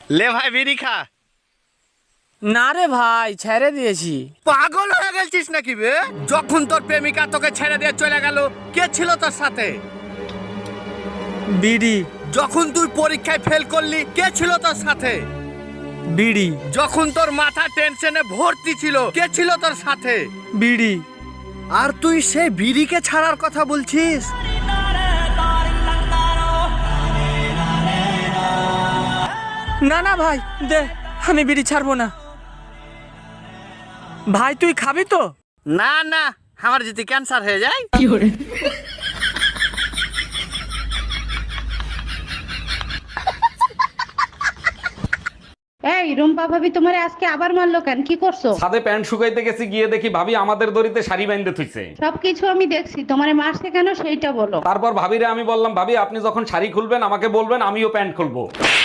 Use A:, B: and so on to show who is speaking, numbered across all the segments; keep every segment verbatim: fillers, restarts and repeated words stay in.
A: লে ভাই বিড়ি খা।
B: না রে ভাই, ছেড়ে দিয়েছি।
A: পাগল হয়ে গেছিস নাকি বে? যখন তোর প্রেমিকা তোকে ছেড়ে দিয়ে চলে গেল, কে ছিল তোর সাথে?
B: বিড়ি।
A: যখন তুই পরীক্ষায় ফেল করলি, কে ছিল তোর সাথে?
B: বিড়ি।
A: যখন তোর মাথা টেনশনে ভর্তি ছিল, কে ছিল তোর সাথে?
B: বিড়ি।
A: আর তুই সেই বিড়িকে ছাড়ার কথা বলছিস?
B: না না ভাই, দে, আমি বিড়ি ছাড়বো না। ভাই তুই খাবি তো?
A: না না, আমার যদি ক্যান্সার হয়ে যায়।
B: কি করে?
C: এই রুম্পা ভাবি তোমারে আজকে আবার মারলো কেন? কি করছো?
D: ছাদে প্যান্ট শুকাইতে গেছি, গিয়ে দেখি ভাবি আমাদের দড়িতে শাড়ি বাইন্ধে থুইছে।
C: সবকিছু আমি দেখছি, তোমারে মারছে কেন সেইটা বলো।
D: তারপর ভাবিরে আমি বললাম, ভাবি আপনি যখন শাড়ি খুলবেন আমাকে বলবেন, আমিও প্যান্ট খুলবো।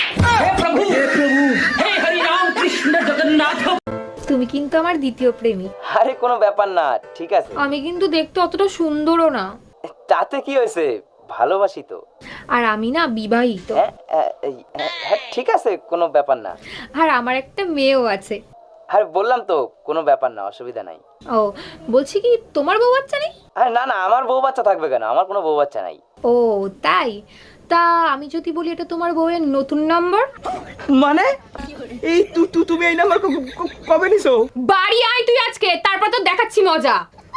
E: তুমি কিন্তু আমার দ্বিতীয় প্রেমিক।
F: আরে কোনো ব্যাপার না, ঠিক আছে।
E: আমি কিন্তু দেখতে অতটা সুন্দরও না।
F: তাতে কি হয়েছে, ভালোবাসি তো।
E: আর আমি না বিবাহিত।
F: হ্যাঁ, হ্যাঁ, হ্যাঁ, হ্যাঁ, ঠিক আছে, কোনো ব্যাপার না।
E: আর আমার একটা মেয়েও আছে।
F: আরে বললাম তো, কোনো ব্যাপার না, অসুবিধা নাই।
E: ও বলছি কি, তোমার বউ বাচ্চা নেই?
F: আরে না না, আমার বউ বাচ্চা থাকবে কেন? আমার কোনো বউ বাচ্চা নাই।
E: ও তাই? তা আমি যদি বলি এটা তোমার বউয়ের নতুন নাম্বার?
B: মানে এই তু তু তুমি এই নাম্বার কবে নিছো?
E: বাড়ি আয় তুই আজকে, তারপর তো দেখাচ্ছি মজা।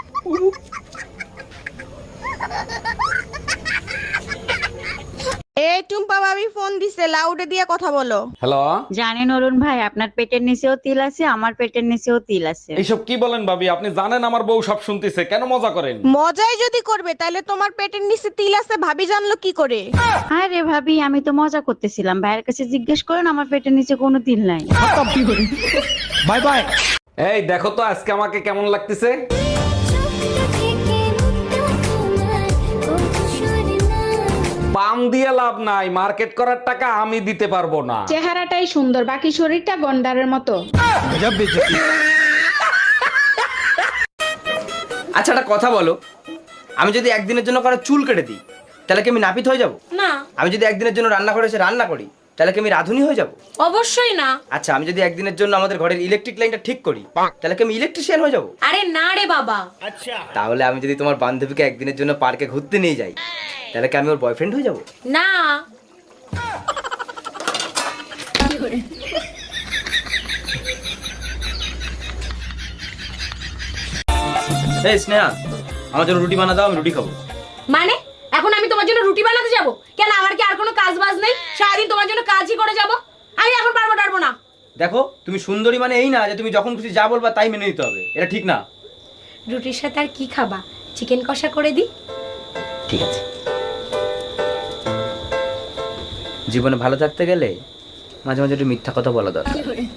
G: এই টুম্পা ভাবি ফোন দিছে, লাউডে দিয়ে কথা বলো।
D: হ্যালো,
H: জানেন অরুণ ভাই, আপনার পেটের নিচেও তিল আছে, আমার পেটের নিচেও তিল আছে।
D: এইসব কি বলেন ভাবি? আপনি জানেন আমার বউ সব শুনতেছে, কেন মজা করেন?
G: মজাই যদি করবে তাহলে তোমার পেটের নিচে তিল আছে ভাবি জানলো কি করে?
H: আরে ভাবি, আমি তো মজা করতেছিলাম, ভাইয়ের কাছে জিজ্ঞেস করেন, আমার পেটের নিচে কোনো তিল নাই।
D: Bye bye. এই দেখো তো আজকে আমাকে কেমন লাগতেছে। পাম দিয়ে লাভ নাই, মার্কেট করার টাকা আমি দিতে পারবো না।
C: চেহারাটাই সুন্দর, বাকি শরীরটা গন্ডারের মতো।
F: আচ্ছা একটা কথা বলো, আমি যদি একদিনের জন্য কারো চুল কেটে দিই, তাহলে কি আমি নাপিত হয়ে যাব?
I: না।
F: আমি যদি একদিনের জন্য রান্না করে এসে রান্না করি, তাহলে কি আমি রাঁধুনি হয়ে যাব?
I: অবশ্যই না।
F: আচ্ছা আমি যদি একদিনের জন্য আমাদের ঘরের ইলেকট্রিক লাইনটা ঠিক করি, তাহলে কি আমি ইলেকট্রিশিয়ান হয়ে যাব?
I: আরে না রে বাবা।
F: তাহলে আমি যদি তোমার বান্ধবীকে একদিনের জন্য পার্কে ঘুরতে নিয়ে যাই, তাহলে কি আমি ওর বয়ফ্রেন্ড হয়ে যাব?
I: না।
F: এই স্নেহা, আমার জন্য রুটি বানা দাও, আমি রুটি খাবো।
I: মানে এখন আমি তোমার জন্য রুটি বানাতে যাব? কেন, আমার কি আর কোনো কাজ বাজ নেই? সারাদিন তোমার জন্য কাজই করে যাব। আমি এখন পারবো পারবো না।
F: দেখো, তুমি সুন্দরী মানে এই না যে তুমি যখন খুশি যা বলবা তাই মেনে নিতে হবে, এটা ঠিক না।
I: রুটির সাথে আর কি খাবা? চিকেন কষা করে দিই?
F: ঠিক আছে। জীবনে ভালো থাকতে গেলে মাঝে মাঝে একটু মিথ্যা কথা বলা দরকার।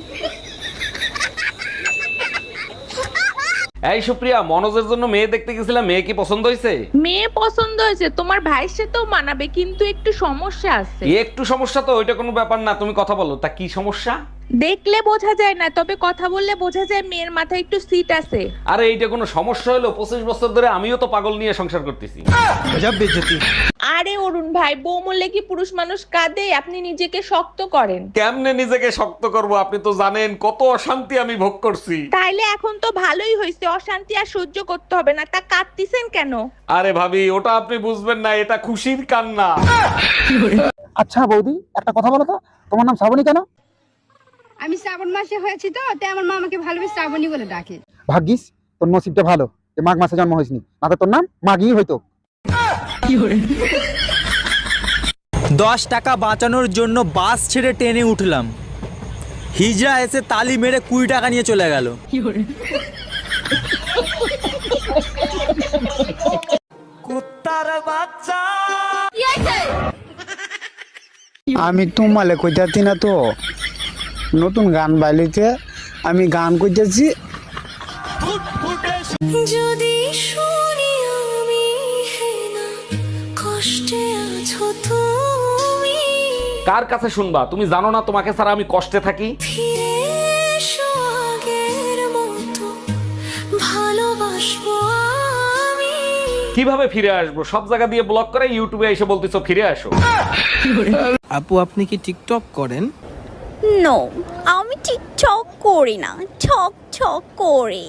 D: এই সুপ্রিয়া, মনোজের জন্য মেয়ে দেখতে গেছিলাম, মেয়ে কি পছন্দ হয়েছে?
J: মেয়ে পছন্দ হয়েছে, তোমার ভাইয়ের সাথেও মানাবে, কিন্তু একটু সমস্যা আছে।
D: একটু সমস্যা তো, ওইটা কোনো ব্যাপার না, তুমি কথা বলো। তা কি সমস্যা?
J: দেখলে বোঝা যায় না, তবে কথা বললে বোঝা যায় মেয়ের মাথায় একটু সিট আছে।
D: আরে এইটা কোনো সমস্যা হলো? পঁচিশ বছর ধরে আমিও তো পাগল নিয়ে সংসার করতেছি।
J: আরে অরুণ ভাই, বউ মরলে কি পুরুষ মানুষ কাঁদে? আপনি নিজেকে শক্ত করেন।
D: কেমনে নিজেকে শক্ত করব? আপনি তো জানেন কত অশান্তি আমি ভোগ করছি।
J: তাইলে এখন তো ভালোই হয়েছে, অশান্তি আর সহ্য করতে হবে না। তা কাঁদতেছেন কেন?
D: আরে ভাবি, ওটা আপনি বুঝবেন না, এটা খুশির কান্না।
B: আচ্ছা বৌদি, একটা কথা বলো তো, তোমার নাম শ্রাবণী কেন?
C: আমি শ্রাবণ মাসে হয়েছি তো, তাই আমার মা আমাকে ভালোবেসে শ্রাবণী বলে ডাকে।
B: ভাগ্যিস তোর নসিবটা ভালো যে মাঘ মাসে জন্ম হয়েছিনি, না তো তোর নাম মাঘই হইতো।
K: দশ টাকা বাঁচানোর জন্য বাস ছেড়ে ট্রেনে উঠলাম, হিজড়া এসে তালি মেরে কুড়ি টাকা নিয়ে চলে গেল। কুত্তার বাচ্চা।
B: আমি তোমালে কইতাছি না তো, নতুন গান বাইলিতে আমি গান কইতেছি।
E: যদি শুনি আমি কষ্টে আছো তুমি,
D: কার কাছে শুনবা? তুমি জানো না তোমাকে ছাড়া আমি কষ্টে থাকি?
E: ফিরে এসো আগের মতো, ভালোবাসবো আমি।
D: কিভাবে ফিরে আসবো? সব জায়গা দিয়ে ব্লক করে ইউটিউবে এসে বলতেছো ফিরে আসো।
K: আপু, আপনি কি টিকটক করেন?
H: নো, আমি টিকটক করি না, ছক ছক করি।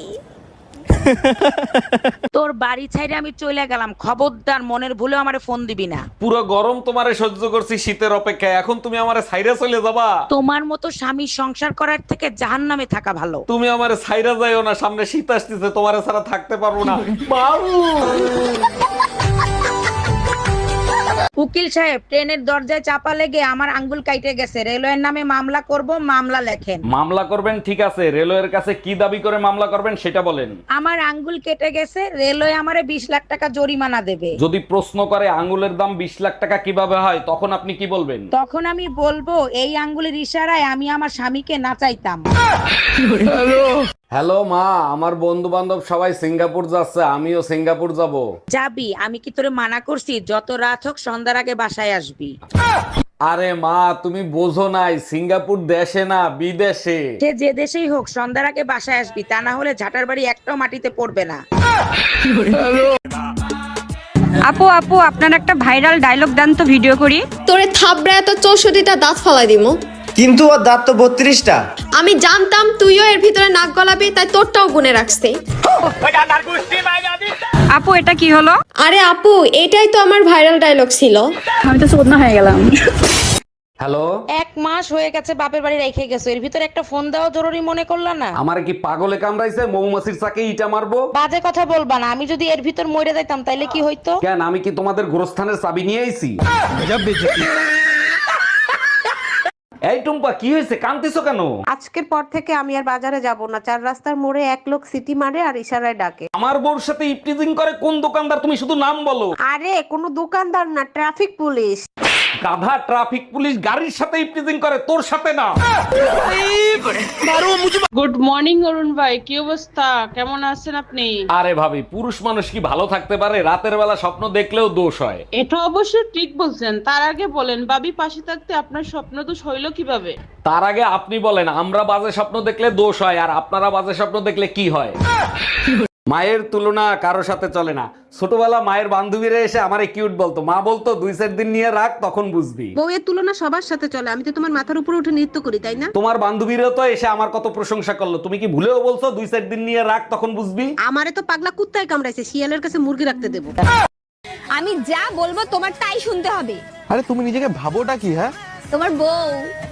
G: তোর বাড়ি ছাইরে আমি চলে গেলাম, খবরদার মনের ভুলে আমারে ফোন দিবি না।
D: পুরো গরম তোমারে সহ্য করছি শীতের অপেক্ষায়, এখন তুমি আমারে ছাইরা চলে যাবা?
G: তোমার মতো স্বামী সংসার করার থেকে জাহান্নামে থাকা ভালো।
D: তুমি আমারে ছাইরা যাইও না, সামনে শীত আসতেছে, তোমারে ছাড়া থাকতে পারবো না। বাবু
G: উকিল সাহেব, ট্রেনের দরজায় চাপা লেগে আমার আঙ্গুল কাইটে গেছে, রেলওয়ের নামে মামলা করব, মামলা লেখেন।
D: মামলা করবেন ঠিক আছে, রেলওয়ের কাছে কি দাবি করে মামলা করবেন সেটা বলেন।
G: আমার আঙ্গুল কেটে গেছে, রেলওয়ে আমারে বিশ লাখ টাকা জরিমানা দেবে।
D: যদি প্রশ্ন করে আঙ্গুলের দাম বিশ লাখ টাকা কিভাবে হয়, তখন আপনি কি বলবেন?
G: তখন আমি বলবো এই আঙ্গুলের ইশারায় আমি আমার স্বামীকে নাচাইতাম।
D: হ্যালো মা, আমার বন্ধু বান্ধব সবাই সিঙ্গাপুর যাচ্ছে, আমিও সিঙ্গাপুর যাব।
G: যাবি? আমি কি তোরে মানা করছি? যত রাত হোক সন্ধ্যার আগে বাসায় আসবি।
D: আরে মা, তুমি বোঝো নাই, সিঙ্গাপুর দেশে না বিদেশে।
G: সে যে দেশেই হোক সন্ধ্যার আগে বাসায় আসবি, তা না হলে ঝাঁটার বাড়ি একটাও মাটিতে পড়বে না।
C: আপু আপু আপনার একটা ভাইরাল ডায়লগ দেন তো, ভিডিও করি।
E: তোরে থাবড়ায় তো চৌষট্টিটা দাঁত ফালাই দিমু।
F: কিন্তু ওর দাঁত তো বত্রিশটা।
E: আমি জানতাম তুইও এর ভিতরে নাক গলাবি, তাই তোরটাও গুনে রাখছি।
C: আপু এটা কি হলো?
E: আরে আপু, এটাই তো আমার ভাইরাল ডায়লগ ছিল।
C: আমি তো চোদনা হয়ে গেলাম।
D: হ্যালো,
G: এক মাস হয়ে গেছে বাপের বাড়ি রেখে গেছো, এর ভিতরে একটা ফোন দেওয়া জরুরি মনে করলা না?
D: আমার কি পাগলে কামড়াইছে? মৌমাছির চাকে ইটা মারবো?
G: বাজে কথা বলবা না, আমি যদি এর ভিতর মরে যাইতাম তাইলে কি হইতো?
D: কেন, আমি কি তোমাদের গোরস্থানের চাবি নিয়ে আইছি? এই টুম্পা, কি হয়েছে, কাঁদতেছো কেন?
G: আজকের পর থেকে আমি আর বাজারে যাব না, চার রাস্তার মোড়ে এক লোক সিটি মারে আর ইশারায় ডাকে।
D: আমার বউর সাথে ইপটিজিং করে কোন দোকানদার? তুমি শুধু নাম বলো।
G: আরে কোনো দোকানদার না, ট্রাফিক পুলিশ।
D: গাধা, ট্রাফিক পুলিশ গাড়ির সাথে ইপটিজিং করে, তোর সাথে না।
J: গুড মর্নিং অরুণ ভাই, কি অবস্থা, কেমন আছেন আপনি?
D: আরে ভাবি, পুরুষ মানুষ কি ভালো থাকতে পারে? রাতের বেলা স্বপ্ন দেখলেও দোষ হয়।
J: এটা অবশ্য ঠিক বলছেন। তার আগে বলেন, ভাবি পাশে থাকতে আপনার স্বপ্ন তো হইল কিভাবে?
D: তার আগে আপনি বলেন, আমরা বাজে স্বপ্ন দেখলে দোষ হয়, আর আপনারা বাজে স্বপ্ন দেখলে কি হয়? মায়ের তুলনা কারো সাথে চলে না। ছোটবেলা মায়ের বান্ধবীরা এসে আমারে কিউট বলতো, মা বলতো দুই চার দিন নিয়ে রাখ, তখন বুঝবি।
G: বউয়ের তুলনা সবার সাথে চলে, আমি তো তোমার মাথার উপরে উঠে নৃত্য করি, তাই না?
D: তোমার বান্ধবীরা তো এসে আমার কত প্রশংসা করলো, তুমি কি ভুলেও বলছো দুই চার দিন নিয়ে রাখ, তখন বুঝবি?
G: আমারে তো পাগলা কুত্তায় কামড়াইছে, শিয়ালের কাছে মুরগি রাখতে দেবো।
C: আমি যা বলবো তোমার তাই শুনতে হবে।
A: আরে তুমি নিজেকে ভাবোটা কি? হ্যাঁ,
C: তোমার বউ।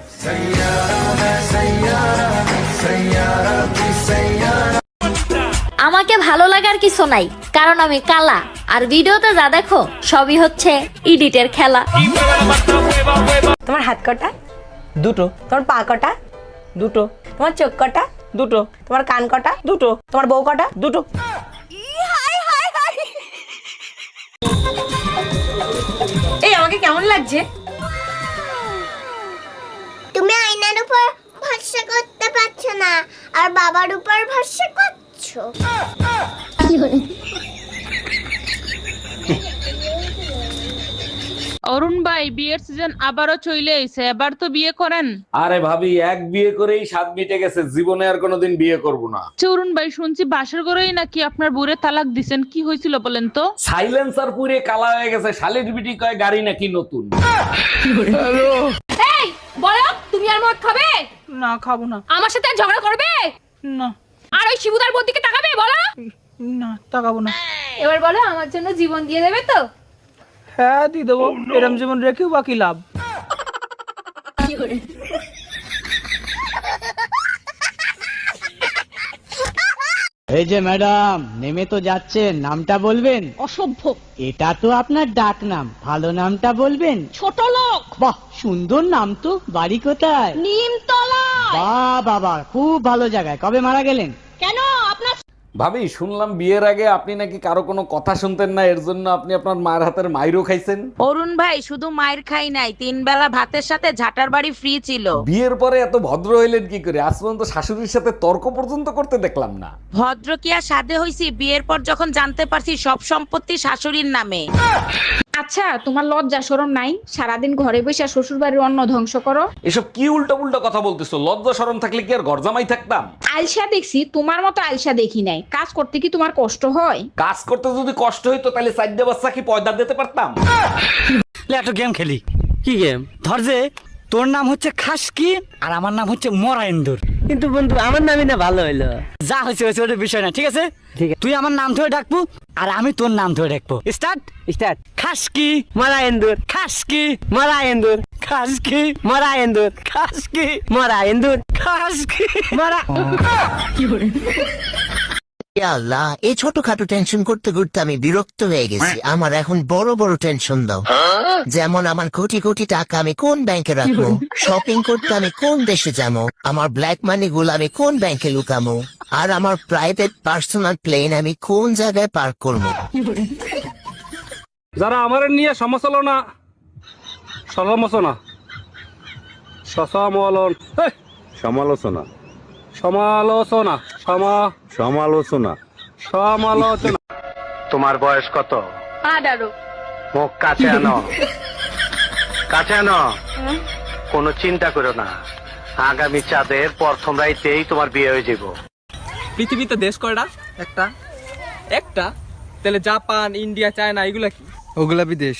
H: আমাকে ভালো লাগার কিছু নাই, কারণ আমি কালা, আর ভিডিওতে যা দেখো সবই হচ্ছে এডিটের খেলা।
I: তোমার হাত কটা?
J: দুটো।
I: তোমার পা কটা?
J: দুটো।
I: তোমার চোখ কটা?
J: দুটো।
I: তোমার কান কটা?
J: দুটো।
I: তোমার বউ কটা?
J: দুটো।
I: এই আমাকে কেমন লাগছে?
C: তুমি আয়নার উপর ভরসা করতে পারছো না, আর বাবার উপর ভরসা করছো।
J: অরুণ ভাই, বিয়ের সিজন আবারও চলে এসে, এবার তো বিয়ে করেন।
D: আরে ভাবি, এক বিয়ে করেই স্বাদ মিটে গেছে, জীবনে আর কোনোদিন বিয়ে করব না।
J: অরুণ ভাই, শুনছি বাসর ঘরেই নাকি আপনার বুড়ে তালাক দিছেন, কি হয়েছিল বলেন তো?
D: সাইলেন্সার পুরে কালা হয়ে গেছে, শালির বিটি কয় গাড়ি নাকি নতুন।
E: এই বলো, তুমি আর মদ খাবে?
J: না, খাবো না।
E: আমার সাথে আর ঝগড়া করবে
J: না।
E: আর ওই শিবুদার বোন দিকে তাকাবে? বলো।
J: না, তাকাবো না।
E: এবার বলো, আমার জন্য জীবন দিয়ে দেবে তো?
J: হ্যাঁ, দিয়ে দেবো। এরম জীবন রেখেও বাকি লাভ।
B: এই যে ম্যাডাম, নেমে তো যাচ্ছেন, নামটা বলবেন?
I: অসভ্য।
B: এটা তো আপনার ডাক নাম, ভালো নামটা বলবেন?
I: ছোট লোক।
B: বাহ, সুন্দর নাম তো। বাড়ি কোথায়?
I: নিমতলা।
B: বাহ বাবা, খুব ভালো জায়গায়। কবে মারা গেলেন?
I: কেন, আপনার?
D: ভাবি, শুনলাম বিয়ের আগে আপনি নাকি কারো কোনো কথা শুনতেন না, এর জন্য আপনি আপনার মায়ের হাতের মাইরও খাইছেন।
G: অরুণ ভাই, শুধু মায়ের খাই নাই, তিন বেলা ভাতের সাথে ঝাঁটার বাড়ি ফ্রি ছিল।
D: বিয়ের পরে এত ভদ্র হইলেন কি করে? আজ পর্যন্ত শাশুড়ির সাথে তর্ক পর্যন্ত করতে দেখলাম না।
G: ভদ্র কি আর সাধে হইছি? বিয়ের পর যখন জানতে পারছি সব সম্পত্তি শাশুড়ির নামে।
C: আচ্ছা, তোমার লজ্জা শরম নাই? সারাদিন ঘরে বসে শ্বশুর বাড়ির অন্ন ধ্বংস করো।
D: এসব কি উল্টো উল্টো কথা বলতেছো? লজ্জা শরম থাকলে কি আর ঘর জামাই থাকতাম?
C: আলসা দেখছি, তোমার মতো আলসা দেখি নাই। কাজ করতে কি তোমার কষ্ট হয়?
D: কাজ করতে যদি কষ্ট হইতো তাহলে চারটে বাচ্চা কি পয়দা দিতে পারতাম?
K: একটা গেম খেলি। কি গেম? ধর যে তোর নাম হচ্ছে খাসকি আর আমার নাম হচ্ছে মরাইন্দুর।
F: কিন্তু বন্ধু আমার নামই না ভালো হইলো।
K: যা হয়েছে হয়েছে ওটা বিষয় না, ঠিক আছে? ঠিক আছে, তুই আমার নাম ধরে ডাকবো আর আমি তোর নাম ধরে ডাকবো। স্টার্ট স্টার্ট খাসকি
F: মরাইন্দুর,
K: খাসকি
F: মরাইন্দুর,
K: খাসকি
F: মরাইন্দুর,
K: খাসকি
F: মরাইন্দুর,
K: খাসকি
F: মরা।
L: আল্লাহ, এই ছোটখাটো টেনশন করতে করতে আমি বিরক্ত হয়ে গেছি। আমার এখন বড় বড় টেনশন দাও। যেমন আমার কোটি কোটি টাকা আমি কোন ব্যাংকে রাখবো, শপিং করতে আমি কোন দেশে যাবো, আমার ব্ল্যাক মানি গুলো আমি কোন ব্যাংকে লুকামো, আর আমার প্রাইভেট পার্সোনাল প্লেন আমি কোন জায়গায় পার্ক করবো।
K: যারা আমার নিয়ে সমালোচনা সমালোচনা সমালোচনা
A: সমালোচনা
K: সমালোচনা সমা
A: সমালোচনা
K: সমালোচনা
A: তোমার বয়স কত?
I: আঠারো।
A: মুখ কাছে আনো, কাছে আনো। কোনো চিন্তা করো না, আগামী চাঁদের প্রথম রাইতেই তোমার বিয়ে হয়ে যাব।
K: পৃথিবীতে দেশ কয়টা? একটা। একটা? তাহলে জাপান, ইন্ডিয়া, চায়না এগুলা কি?
F: ওগুলা বিদেশ।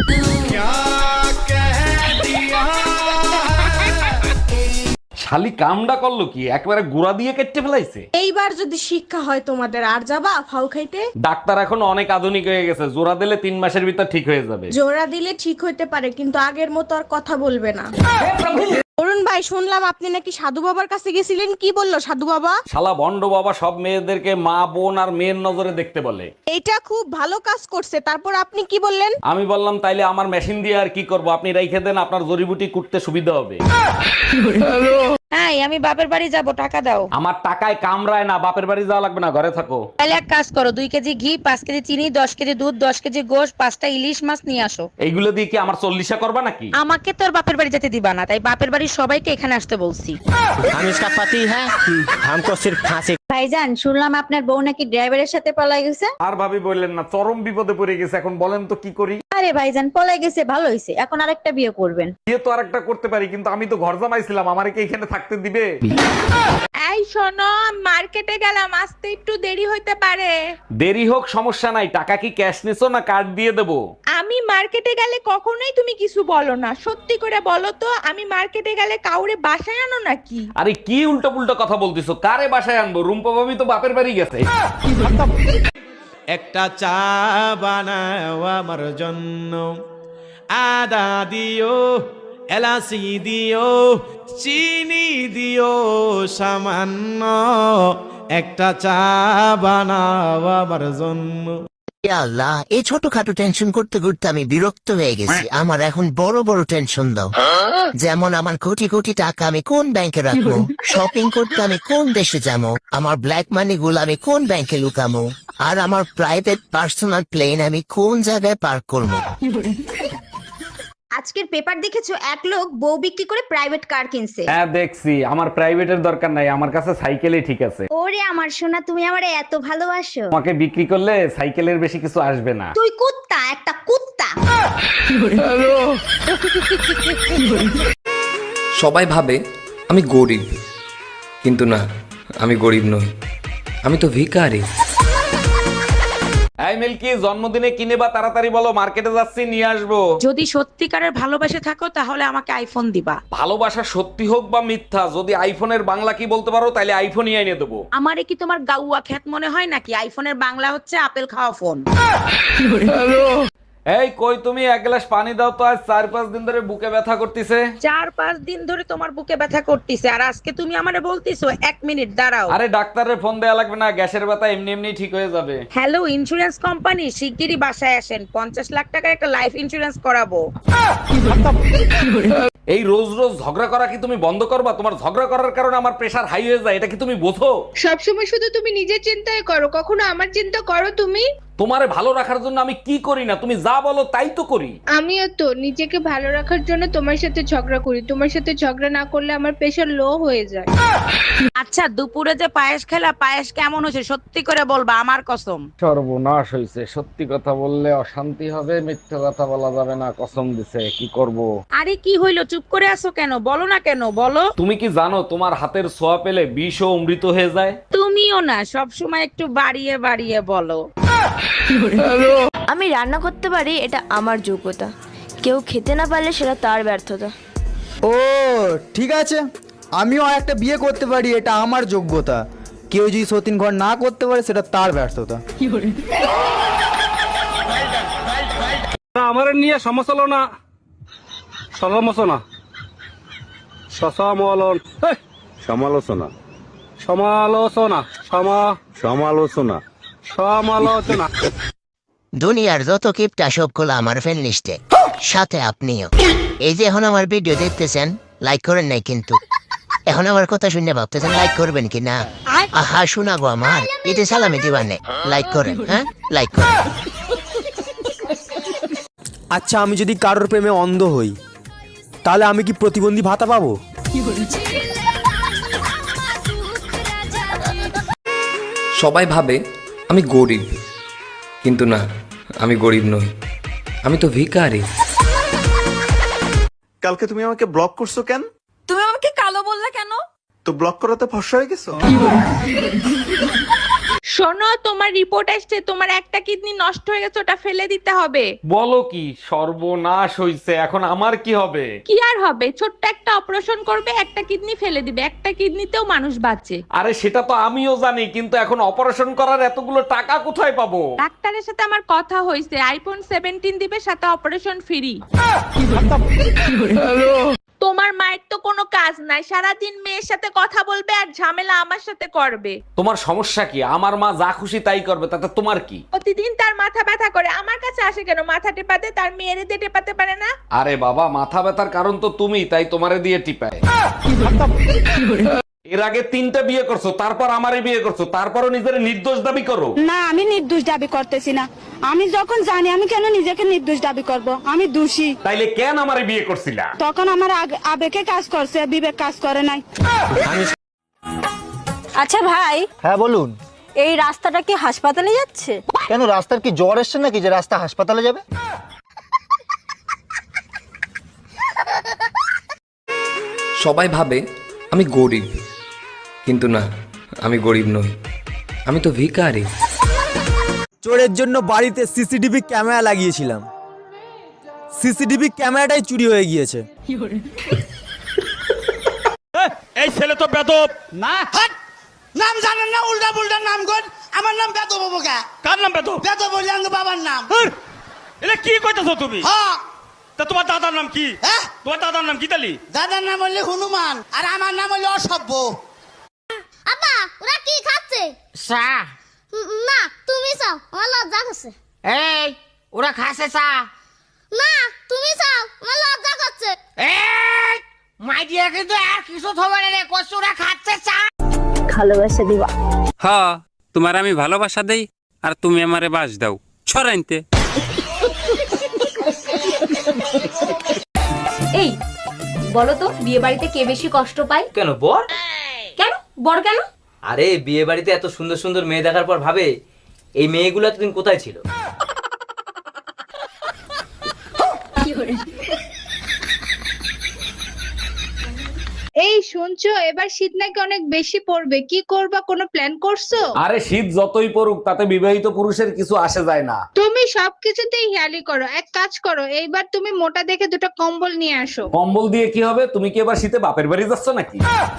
D: শালি কামডা করলো কি, একবারে গুড়া দিয়ে কেটে ফেলাইছে।
I: এইবার যদি শিক্ষা হয় তোমাদের, আর যাবা ফাউ খাইতে?
D: ডাক্তার এখন অনেক আধুনিক হয়ে গেছে, জোড়া দিলে তিন মাসের ভিতর ঠিক হয়ে যাবে।
I: জোড়া দিলে ঠিক হইতে পারে, কিন্তু আগের মতো আর কথা বলবে না। অরুণ ভাই, শুনলাম আপনি নাকি সাধু বাবার কাছে গেছিলেন, কি বললো সাধু বাবা?
D: শালা ভণ্ড বাবা সব মেয়েদেরকে মা বোন আর মেয়ের নজরে দেখতে বলে।
I: এইটা খুব ভালো কাজ করছে, তারপর আপনি কি বললেন?
D: আমি বললাম তাইলে আমার মেশিন দিয়ে আর কি করব, আপনি রাইখে দেন, আপনার জড়িবুটি কুটতে সুবিধা হবে।
G: হ্যাঁ, আমি বাপের বাড়ি যাব, টাকা দাও।
D: আমার টাকায় কামড়ায় না, বাপের বাড়ি যাওয়া লাগবে না, ঘরে থাকো।
G: তাহলে এক কাজ করো, দুই কেজি ঘি, পাঁচ কেজি চিনি, দশ কেজি দুধ, দশ কেজি গোশ, পাঁচটা ইলিশ মাছ নিয়ে আসো।
D: এইগুলো দিয়ে কি আমার চল্লিশা করবা নাকি?
G: আমাকে তোর বাপের বাড়ি যেতে দিবা না, তাই বাপের বাড়ির সবাইকে এখানে আসতে বলছি।
F: আমি इसका पति है, हमको सिर्फ फांसी।
H: ভাইজান, শুনলাম আপনার বউ নাকি ড্রাইভারের সাথে পলাই গেছে।
D: আর ভাবি বললেন না, চরম বিপদে পড়ে গেছে, এখন বলেন তো কি করি?
H: আরে ভাইজান, পলাই গেছে ভালো হয়েছে, এখন আরেকটা বিয়ে করবেন।
D: বিয়ে তো আরেকটা করতে পারি, কিন্তু আমি তো ঘর জামাইছিলাম, আমারে কি এখানে থাকতে দিবে?
J: এই শোনো, মার্কেটে গেলাম, আসতে একটু দেরি হইতে পারে।
D: দেরি হোক সমস্যা নাই, টাকা কি ক্যাশ নিছো না কার্ড দিয়ে দেবো?
J: আমি মার্কেটে গেলে কখনোই তুমি কিছু বলো না, সত্যি করে বলো তো, আমি মার্কেটে গেলে কাউরে বাসায় আনো নাকি?
D: আরে কি উল্টো পুল্টো কথা বলতিছো, কারে বাসায় আনবো? রুম্পা ভাবি তো বাপের বাড়ি গেছে।
K: একটা চা বানাও আমার জন্য, আদা দিও, এলাচি দিও, চিনি দিও সামান্য, একটা চা বানাও আমার জন্য।
L: আল্লাহ, এই ছোটখাটো টেনশন করতে করতে আমি বিরক্ত হয়ে গেছি। আমার এখন বড় বড় টেনশন দাও। যেমন আমার কোটি কোটি টাকা আমি কোন ব্যাংকে রাখবো, শপিং করতে আমি কোন দেশে যাবো, আমার ব্ল্যাক মানি গুলো আমি কোন ব্যাংকে লুকামো, আর আমার প্রাইভেট পার্সোনাল প্লেন আমি কোন জায়গায় পার্ক করবো।
H: আজকের পেপার দেখেছো, এক লোক বউ বিক্রি করে প্রাইভেট কার কিনছে।
D: হ্যাঁ দেখছি, আমার প্রাইভেটের দরকার নাই, আমার কাছে সাইকেলই ঠিক আছে।
H: ওরে আমার সোনা, তুমি আমারে এত ভালোবাসো।
D: তোমাকে বিক্রি করলে সাইকেলের বেশি কিছু আসবে না।
H: তুই কুত্তা, একটা কুত্তা।
F: সবাই ভাবে আমি গরিব, কিন্তু না, আমি গরিব নই, আমি তো ভিখারি।
D: এই মিল্কি, জন্মদিনে কিনে বা তাড়াতাড়ি বলো, মার্কেটে যাচ্ছি, নিয়ে আসবো।
G: যদি সত্যিকারের ভালোবাসে থাকো তাহলে আমাকে আইফোন দিবা।
D: ভালোবাসা সত্যি হোক বা মিথ্যা, যদি আইফোনের বাংলা কি বলতে পারো তাহলে আইফোনই এনে দেবো।
G: আমারে কি তোমার গাউয়া খ্যাত মনে হয় নাকি? আইফোনের বাংলা হচ্ছে আপেল খাওয়া ফোন।
D: এই কই তুমি, এক গ্লাস পানি দাও তো, আজ চার পাঁচ দিন ধরে বুকে ব্যথা করতেছে।
G: চার পাঁচ দিন ধরে তোমার বুকে ব্যথা করতেছে, আর আজকে তুমি আমারে বলতিছো এক মিনিট দাঁড়াও।
D: আরে ডাক্তারের ফোন দেয়া লাগবে না, গ্যাসের ব্যথা এমনি এমনি ঠিক হয়ে যাবে।
G: হ্যালো ইন্স্যুরেন্স কোম্পানি, শিগগিরই বাসায় আসেন, পঞ্চাশ লাখ টাকার একটা লাইফ ইন্স্যুরেন্স করাবো।
D: এই রোজ রোজ ঝগড়া করা কি তুমি বন্ধ করবা? তোমার ঝগড়া করার কারণে আমার প্রেশার হাই হয়ে যায়, এটা কি তুমি বোঝো?
J: সবসময় শুধু তুমি নিজের চিন্তায় করো, কখনো আমার চিন্তা করো তুমি?
D: তোমারে ভালো রাখার জন্য আমি কি করি না, তুমি যা বলো তাই তো করি।
J: আমিও তো নিজেকে ভালো রাখার জন্য তোমার সাথে ঝগড়া করি, তোমার সাথে ঝগড়া না করলে আমার প্রেশার লো হয়ে যায়।
G: আচ্ছা, দুপুরে যে পায়েস খেলা, পায়েস কেমন হয়েছে সত্যি করে বলবা, আমার কসম।
D: সর্বনাশ হয়েছে, সত্যি কথা বললে অশান্তি হবে, মিথ্যে কথা বলা যাবে না, কসম দিছে, কি করব?
G: আরে কি হইলো, চুপ করে আছো কেন? বলো না কেন, বলো।
D: তুমি কি জানো তোমার হাতের ছোঁয়া পেলে বিষ ও অমৃত হয়ে যায়?
G: তুমিও না, সব সময় একটু বাড়িয়ে বাড়িয়ে বলো।
H: আমি রান্না করতে পারি, এটা আমার যোগ্যতা। কেউ খেতে না পারলে সেটা তার ব্যর্থতা।
K: ও ঠিক আছে, আমিও একটা বিয়ে করতে পারি, এটা আমার যোগ্যতা। কেউ যদি সতীন ঘর না করতে পারে সেটা তার ব্যর্থতা।
A: আমার নিয়ে সমালোচনা সমালোচনা সমালোচন সমালোচনা সমালোচনা সমা সমালোচনা সমালোচনা
L: দুনিয়ার যত কিপটা সবগুলো আমার ফ্রেন্ড লিস্টে, সাথে আপনিও। এই যে এখন আমার ভিডিও দেখতেছেন, লাইক করেন নাই কিন্তু। এখন আমার কথা শুনে ভাবতেছেন লাইক করবেন কি না? আহা শোনাবো আমার এতে সালামি দিবানে, লাইক করেন, হ্যাঁ লাইক করেন।
K: আচ্ছা, আমি যদি কারোর প্রেমে অন্ধ হই তাহলে আমি কি প্রতিবন্ধী ভাতা পাবো?
F: সবাই ভাবে আমি গরিব, কিন্তু না, আমি গরিব নই, আমি তো ভিখারি।
M: কালকে তুমি আমাকে ব্লক করছো কেন?
J: তুমি আমাকে কালো বললা কেন?
M: তো ব্লক করাতে ফর্সা হয়ে গেছো?
J: শোনো, তোমার রিপোর্ট আসছে, তোমার একটা কিডনি নষ্ট হয়ে গেছে, ওটা ফেলে দিতে হবে।
D: বলো কি, সর্বনাশ হইছে, এখন আমার কি হবে?
J: কি আর হবে, ছোট্ট একটা অপারেশন করবে, একটা কিডনি ফেলে দিবে, একটা কিডনিতেও মানুষ বাঁচে।
D: আরে সেটা তো আমিও জানি, কিন্তু এখন অপারেশন করার এতগুলো টাকা কোথায় পাবো?
J: ডাক্তারের সাথে আমার কথা হয়েছে, আইফোন সেভেন্টিন দিবে, সাথে অপারেশন ফ্রি। তোমার মায়ের তো কোনো কাজ নাই, সারাদিন মেয়ের সাথে কথা বলবে আর ঝামেলা আমার সাথে করবে।
D: তোমার সমস্যা কি? আমার মা যা খুশি তাই করবে, তাতে তোমার কি?
J: প্রতিদিন তার মাথা ব্যথা করে, আমার কাছে আসে কেন মাথা টেপাতে? তার মেয়েরে দিয়ে টেপাতে পারে না?
D: আরে বাবা, মাথা ব্যথার কারণ তো তুমি, তাই তোমারে দিয়ে টিপায়। এর আগে তিনটা বিয়ে করছো, তারপর আমারে বিয়ে করছো, তারপরও নিজের নির্দোষ দাবি করো।
J: না, আমি নির্দোষ দাবি করতেছি না। আমি যখন জানি, আমি কেন নিজেকে নির্দোষ দাবি করব? আমি দোষী।
D: তাইলে কেন আমারে বিয়ে করছিলা?
J: তখন আমার আগ- আবেগে কাজ করছে, বিবেক কাজ করে নাই।
I: আচ্ছা ভাই,
K: হ্যাঁ বলুন।
I: এই রাস্তাটা কি হাসপাতালে যাচ্ছে?
K: কেন, রাস্তার কি জ্বর এসছে নাকি যে রাস্তা হাসপাতালে যাবে?
F: সবাই ভাবে আমি গরিব, কিন্তু না, আমি গরিব নই, আমি তো ভিখারি।
K: চোরের জন্য বাড়িতে সিসিটিভি ক্যামেরা লাগিয়েছিলাম, সিসিটিভি ক্যামেরাটাই চুরি হয়ে গিয়েছে।
A: এই ছেলে তো বেদব না। নাম জানেন না, উল্টা পুল্টা নাম কর। আমার নাম বেদব বাবু। কার নাম বেদব? বেদব বলি আমার বাবার নাম। এটা কি কইতাছো তুমি? হ্যাঁ, তা তোমার দাদার নাম কি? হ্যাঁ, তোমার দাদার নাম কি? তালি দাদার নাম হলো হনুমান, আর আমার নাম হলো অসভ্য।
C: আপা ওরা কি খাচ্ছে?
G: চা।
C: না তুমি চাও, আমার লজ্জা করছে।
G: এই, ওরা খাসে চা।
C: না তুমি চাও, আমার লজ্জা করছে।
G: এই, মাই দিয়া কিন্তু আর কিছু থবে না রে, কষ্ট ওরা খাচ্ছে চা।
I: ভালোবাসা দিবা?
N: হ্যাঁ, তোমার আমি ভালোবাসা দেই আর তুমি আমারে বাস দাও ছড়াইতে।
E: এই বলো তো, বিয়ে বাড়িতে কে বেশি কষ্ট পায়?
F: কেন বর?
E: কেন বড় কেন?
F: আরে বিয়ে বাড়িতে এত সুন্দর সুন্দর মেয়ে দেখার পর ভাবে, এই মেয়েগুলো এতদিন কোথায় ছিল?
J: এই শুনছো, এবার শীত নাকি অনেক বেশি পড়বে, কি করবা, কোনো প্ল্যান করছো?
D: আরে শীত যতই পড়ুক, তাতে বিবাহিত পুরুষের কিছু আসে যায় না।
J: তুমি সবকিছুতেই হেয়ালি করো। এক কাজ করো, এইবার তুমি মোটা দেখে দুটো কম্বল নিয়ে আসো।
D: কম্বল দিয়ে কি হবে? তুমি কি এবার শীতে বাপের বাড়ি যাচ্ছ নাকি?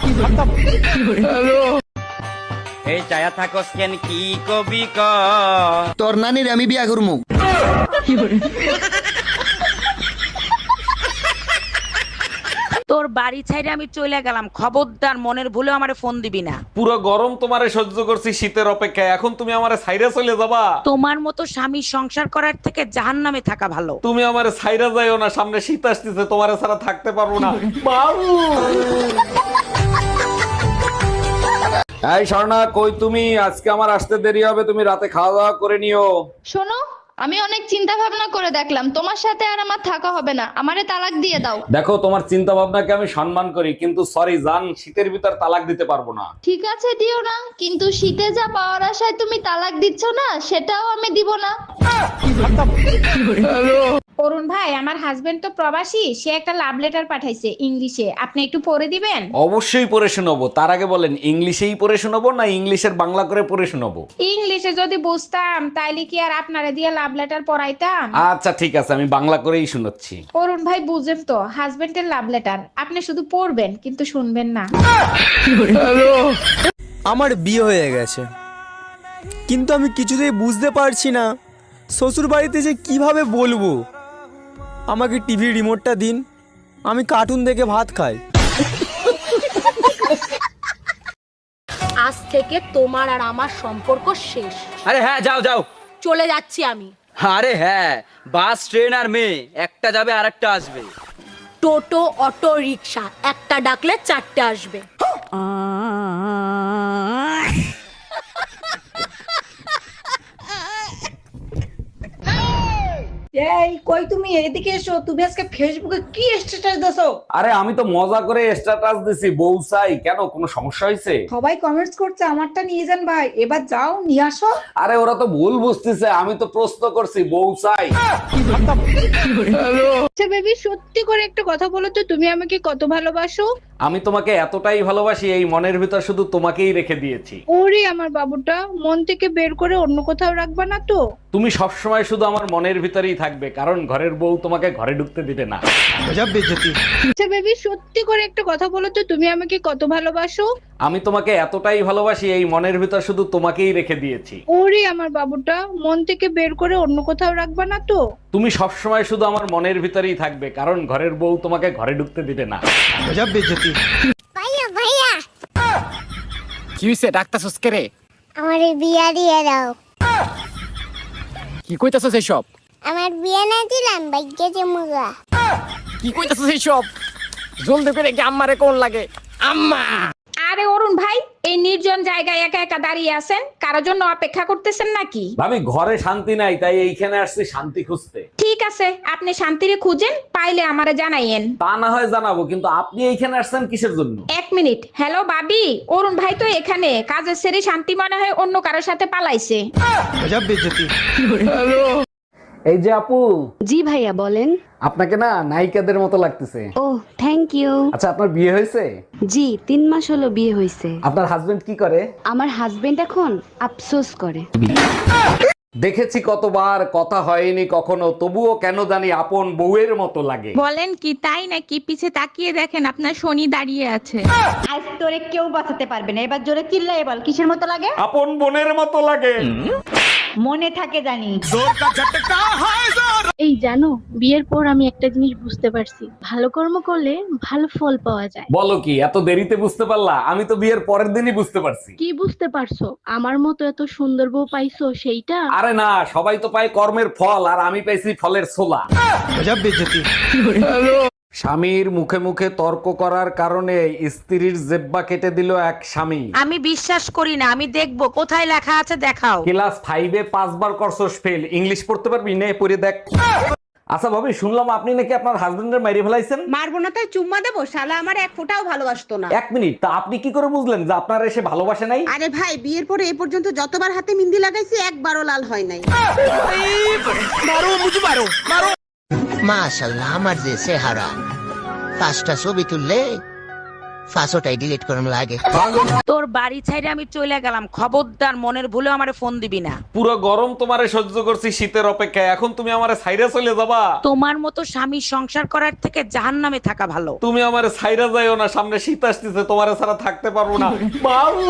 N: এই চায়া থাকস কেন, কি কবি ক?
K: তোর নানির আমি বিয়া করবো।
G: তোর বাড়ি ছাইরে আমি চলে গেলাম, খবরদার মনের ভুলে আমারে ফোন দিবি না।
D: পুরো গরম তোমারে সহ্য করছি শীতের অপেক্ষায়, এখন তুমি আমারে ছাইরা চলে যাবা?
G: তোমার মতো স্বামী সংসার করার থেকে জাহান্নামে থাকা ভালো।
D: তুমি আমারে ছাইরা যাইও না, সামনে শীত আসতেছে, তোমারে ছাড়া থাকতে পারবো না। বাবু এই স্বর্ণা, কই তুমি? আজকে আমার আসতে দেরি হবে, তুমি রাতে খাওয়া দাওয়া করে নিও।
J: শোনো, আমি অনেক চিন্তা ভাবনা করে দেখলাম, তোমার সাথে আর আমার থাকা হবে না, আমারে তালাক দিয়ে দাও।
D: দেখো, তোমার চিন্তা ভাবনাকে আমি সম্মান করি, কিন্তু সরি জান, শীতের ভিতর তালাক দিতে পারবো না।
J: ঠিক আছে দিও না, কিন্তু শীতে যা পাওয়ার আশায় তুমি তালাক দিচ্ছ না, সেটাও আমি দিব না। অরুণ ভাই, আমার হাজবেন্ড তো প্রবাসী, সে একটা লাভ লেটার পাঠাইছে ইংলিশে, আপনি একটু পড়ে দিবেন?
D: অবশ্যই পড়ে শোনাবো। তার আগে বলেন, ইংলিশেই পড়ে শোনাবো না ইংলিশের বাংলা করে পড়ে শোনাবো?
J: ইংলিশে যদি বুঝতাম তাইলে কি আর আপনারে দিয়ে লাভ লাভ লেটার পড়াইতাম?
D: আচ্ছা ঠিক আছে, আমি বাংলা করেই শুনাচ্ছি।
J: অরুণ ভাই বুঝেন তো, হাজবেন্ডের লাভ লেটার আপনি শুধু পড়বেন কিন্তু শুনবেন না।
K: আমার বিয়ে হয়ে গেছে, কিন্তু আমি কিছুতেই বুঝতে পারছি না শ্বশুর বাড়িতে যে কিভাবে বলবো আমাকে টিভি রিমোটটা দিন, আমি কার্টুন দেখে ভাত খাই।
I: আজ থেকে তোমার আর আমার সম্পর্ক শেষ।
K: আরে হ্যাঁ, যাও যাও।
I: চলে যাচ্ছি আমি।
K: আরে হ্যাঁ, বাস ট্রেন আর মেয়ে, একটা যাবে আর একটা আসবে।
I: টোটো অটো রিক্সা একটা ডাকলে চারটে আসবে।
G: এই কই তুমি, এদিকে এসো। তুমি আজকে ফেসবুকে কি স্ট্যাটাস দিছো?
D: আরে আমি তো মজা করে স্ট্যাটাস দিছি বউ চাই। কেন, কোনো সমস্যা হয়েছে?
G: সবাই কমেন্টস করছে আমারটা নিয়ে যান ভাই, এবার যাও নিয়ে আসো।
D: আরে ওরা তো ভুল বুঝতেছে, আমি তো প্রশ্ন করছি বউ চাই।
J: আচ্ছা বেবি, সত্যি করে একটা কথা বলো তো, তুমি আমাকে কত ভালোবাসো?
D: আমি তোমাকে এতটাই ভালোবাসি, এই মনের ভিতর শুধু তোমাকেই রেখে দিয়েছি।
J: ওরে আমার বাবুটা, মন থেকে বের করে অন্য কোথাও রাখবা না তো?
D: তুমি সবসময় শুধু আমার মনের ভিতরেই থাকবে, কারণ ঘরের বউ তোমাকে ঘরে ঢুকতে দিবে না।
J: আচ্ছা বেবি, সত্যি করে একটা কথা বলো তো, তুমি আমাকে কত ভালোবাসো?
D: আমি তোমাকে এতটাই ভালোবাসি, এই মনের ভিতর শুধু তোমাকেই রেখে দিয়েছি।
J: ওরে আমার বাবুটা, মন থেকে বের করে অন্য কোথাও রাখবা না তো?
D: তুমি সবসময় শুধু আমার মনের ভিতরেই থাকবে, কারণ ঘরের বউ তোমাকে ঘরে ঢুকতে দিবে না।
C: ভাইয়া ভাইয়া
K: কি হইছে, ডাক্তার সস্কে রে?
C: আমার বিয়া দিয়ে দাও।
K: কি কইতাছস এইসব?
C: আমার বিয়া না দিলাম ভাগ্যে জমুগা।
K: কি কইতাছস এইসব? জলদি করে কি আম্মারে কোন লাগে? আম্মা!
J: আরে অরুণ ভাই, এই নির্জন জায়গায় একা একা দাঁড়িয়ে আছেন, কারোর জন্য অপেক্ষা করতেছেন নাকি?
D: ভাবি, ঘরে শান্তি নাই, তাই এইখানে আসছি শান্তি খুঁজতে।
J: ঠিক আছে, আপনি শান্তিরে খুঁজেন, পাইলে আমারে জানাইয়েন।
D: তা না হয় জানাবো, কিন্তু আপনি এইখানে আসছেন কিসের জন্য?
J: এক মিনিট। হ্যালো বাবি, অরুণ ভাই তো এখানে, কাজের সেরে শান্তি মনে হয় অন্য কারোর সাথে পালাইছে।
D: এই যে আপু।
E: জি ভাইয়া বলেন।
D: আপনাকে না নায়িকাদের মতো লাগতেছে।
E: Oh thank you.
D: আচ্ছা, আপনার বিয়ে হয়েছে?
E: জি, তিন মাস হলো বিয়ে হয়েছে।
D: আপনার হাজবেন্ড কি করে?
E: আমার হাজবেন্ড এখন আফসোস করে।
D: দেখেছি কতবার, কথা হয়নি কখনো, তবুও কেন জানি আপন বউয়ের মতো লাগে।
J: বলেন কি, তাই নাকি? পিছে তাকিয়ে দেখেন আপনার শনি দাঁড়িয়ে আছে।
G: আজ তোরে কেউ বাঁচাতে পারবে না, এবার জোরে চিল্লাই বল, কিসের মতো লাগে?
D: আপন বোনের মতো লাগে।
G: মনে থাকে জানি।
E: এই জানো, বিয়ের পর আমি একটা জিনিস বুঝতে পারছি, ভালো কর্ম করলে ভালো ফল পাওয়া যায়।
D: বলো কি, এত দেরিতে বুঝতে পারলা? আমি তো বিয়ের পরের দিনই বুঝতে পারছি।
E: কি বুঝতে পারছো? আমার মতো এত সুন্দর বউ পাইছো সেইটা?
D: আরে না, সবাই তো পায় কর্মের ফল, আর আমি পাইছি ফলের ছোলা। স্বামীর মুখে মুখে তর্ক করার কারণে স্ত্রীর জেব্বা কেটে দিল এক স্বামী।
G: আমি বিশ্বাস করি না, আমি দেখবো কোথায় লেখা আছে, দেখাও।
D: ক্লাস ফাইভে পাঁচবার করছস ফেল, ইংলিশ পড়তে পারবি? নে পড়ে দেখ। আচ্ছা ভাবি, শুনলাম আপনি নাকি আপনার হাজবেন্ডের মেরে ফেলাইছেন।
G: মারবো না তাই চুম্মা দেবো? শালা আমার এক ফোঁটাও ভালোবাসতো না।
D: এক মিনিট, তা আপনি কি করে বুঝলেন যে আপনার এসে ভালোবাসে নাই?
G: আরে ভাই, বিয়ের পরে এই পর্যন্ত যতবার হাতে মিন্দি লাগাইছি একবারও লাল হয় নাই।
L: মাশাআল্লাহ, আমার যে চেহারা, পাঁচটা ছবি তুললে পাঁচটাই ডিলিট করুন লাগে।
G: তোর বাড়ি ছাইরে আমি চলে গেলাম, খবরদার মনের ভুলে আমারে ফোন দিবি না।
D: পুরো গরম তোমারে সহ্য করছি শীতের অপেক্ষায়, এখন তুমি আমারে ছাইরা চলে যাবা?
G: তোমার মতো স্বামী সংসার করার থেকে জাহান্নামে থাকা ভালো।
D: তুমি আমারে ছাইরা যাইও না, সামনে শীত আসতেছে, তোমারে ছাড়া থাকতে পারবো না। বাবু,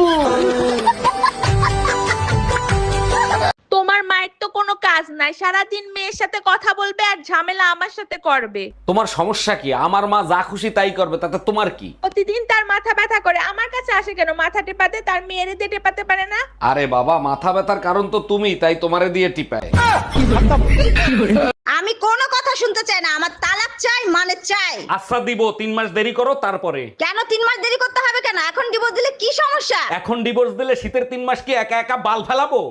J: তোমার মায়ের তো কোনো কাজ নাই, সারাদিন মেয়ের সাথে কথা বলবে আর ঝামেলা আমার সাথে করবে।
D: তোমার সমস্যা কি? আমার মা যা খুশি তাই করবে, তাতে তোমার কি?
J: প্রতিদিন তার মাথা ব্যথা করে, আমার কাছে আসে কেন? মাথা টেপাতে, তার মেয়েরে দিয়ে টেপাতে পারে না?
D: আরে বাবা, মাথা ব্যথার কারণ তো তুমি, তাই তোমারে দিয়ে টিপায়।
G: আমি কোনো কথা শুনতে চাই না, আমার তালাক চাই, মানে চাই।
D: আচ্ছা দিব, তিন মাস দেরি করো তারপরে।
G: কেন তিন মাস দেরি করতে হবে কেন? এখন ডিভোর্স দিলে কি সমস্যা?
D: এখন ডিভোর্স দিলে শীতের তিন মাস কি একা একা বাল ফেলাবো?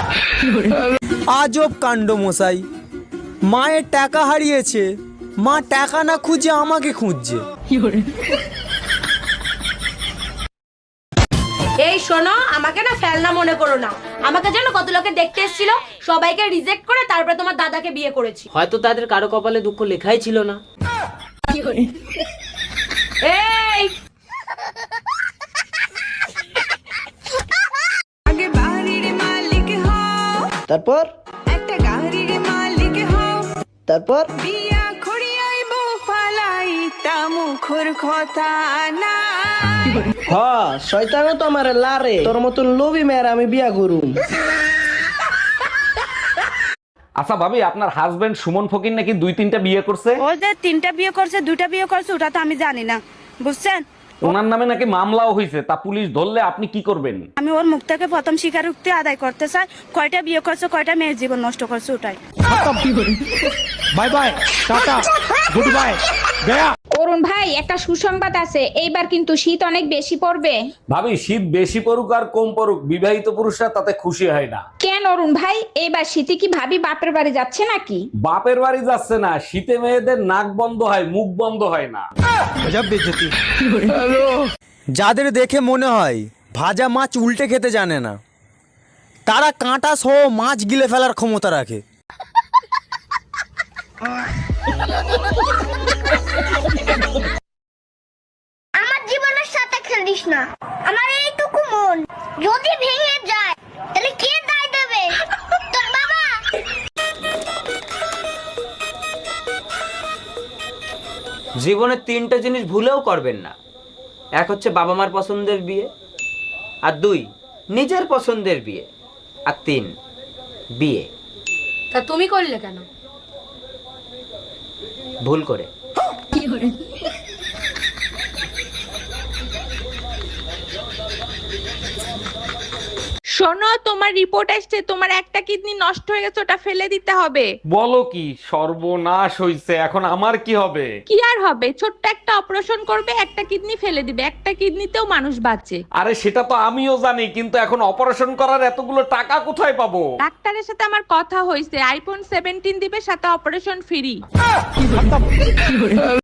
K: আজব কাণ্ড মশাই, মায়ের টাকা হারিয়েছে, মা টাকা না খুঁজে আমাকে খুঁজছে।
I: এই শোনো, আমাকে না ফেলনা মনে করো না। আমাকে জানো কত লোকে দেখতে এসেছিল, সবাইকে রিজেক্ট করে তারপরে তোমার দাদাকে বিয়ে করেছি।
G: হয়তো তাদের কারো কপালে দুঃখ লেখাই ছিল না।
I: এই
J: আগে বাড়ির মালিক হও,
B: তারপর
J: একটা গান তারপর হ শয়তানও তো আমার লারে তোর মতন লোভী মেয়ের আমি বিয়া করুম।
D: আচ্ছা ভাবি, আপনার হাজবেন্ড সুমন ফকির নাকি দুই তিনটা বিয়ে করছে?
G: ও যে তিনটা বিয়ে করছে দুইটা বিয়ে করছে ওটা তো আমি জানি না, বুঝছেন?
D: ওনার নামে নাকি মামলাও হয়েছে, তা পুলিশ ধরলে আপনি কি করবেন?
G: আমি ওর মুখ থেকে প্রথম স্বীকারোক্তি আদায় করতে চাই, কয়টা বিয়ে করছে কয়টা মেয়ের জীবন নষ্ট করছে ওটাই।
B: Bye bye, tata, good bye, গয়া।
J: অরুণ ভাই একটা সুসংবাদ আছে, এইবার কিন্তু শীত অনেক বেশি পড়বে।
D: ভাবি, শীত বেশি পড়ুক আর কম পড়ুক, বিবাহিত পুরুষরা তাতে খুশি হয় না।
J: কেন অরুণ ভাই, এইবার শীতে কি ভাবি বাপের বাড়ি যাচ্ছে নাকি?
D: বাপের বাড়ি যাচ্ছে না, শীতে মেয়েদের নাক বন্ধ হয়, মুখ বন্ধ হয় না।
K: যাদের দেখে মনে হয় ভাজা মাছ উল্টে খেতে জানে না, তারা কাঁটা সহ মাছ গিলে ফেলার ক্ষমতা রাখে।
C: আমার জীবনের সাথে খেলিস না, আমার এইটুকু মন যদি ভেঙে যায় তাহলে কে দায় দেবে? তোর বাবা।
O: জীবনে তিনটা জিনিস ভুলেও করবেন না। এক হচ্ছে বাবা মার পছন্দের বিয়ে, আর দুই নিজের পছন্দের বিয়ে, আর তিন বিয়ে।
I: তা তুমি করলে কেন?
O: ভুল করে।
J: শোনো, তোমার রিপোর্ট আসছে, তোমার একটা কিডনি নষ্ট হয়ে গেছে, ওটা ফেলে দিতে হবে।
D: বলো কি, সর্বনাশ হইছে, এখন আমার কি হবে?
J: কি আর হবে, ছোট্ট একটা অপারেশন করবে, একটা কিডনি ফেলে দিবে, একটা কিডনিতেও মানুষ বাঁচে।
D: আরে সেটা তো আমিও জানি, কিন্তু এখন অপারেশন করার এতগুলো টাকা কোথায় পাবো?
J: ডাক্তারের সাথে আমার কথা হয়েছে, আইফোন সেভেন্টিন দিবে, সাথে অপারেশন ফ্রি।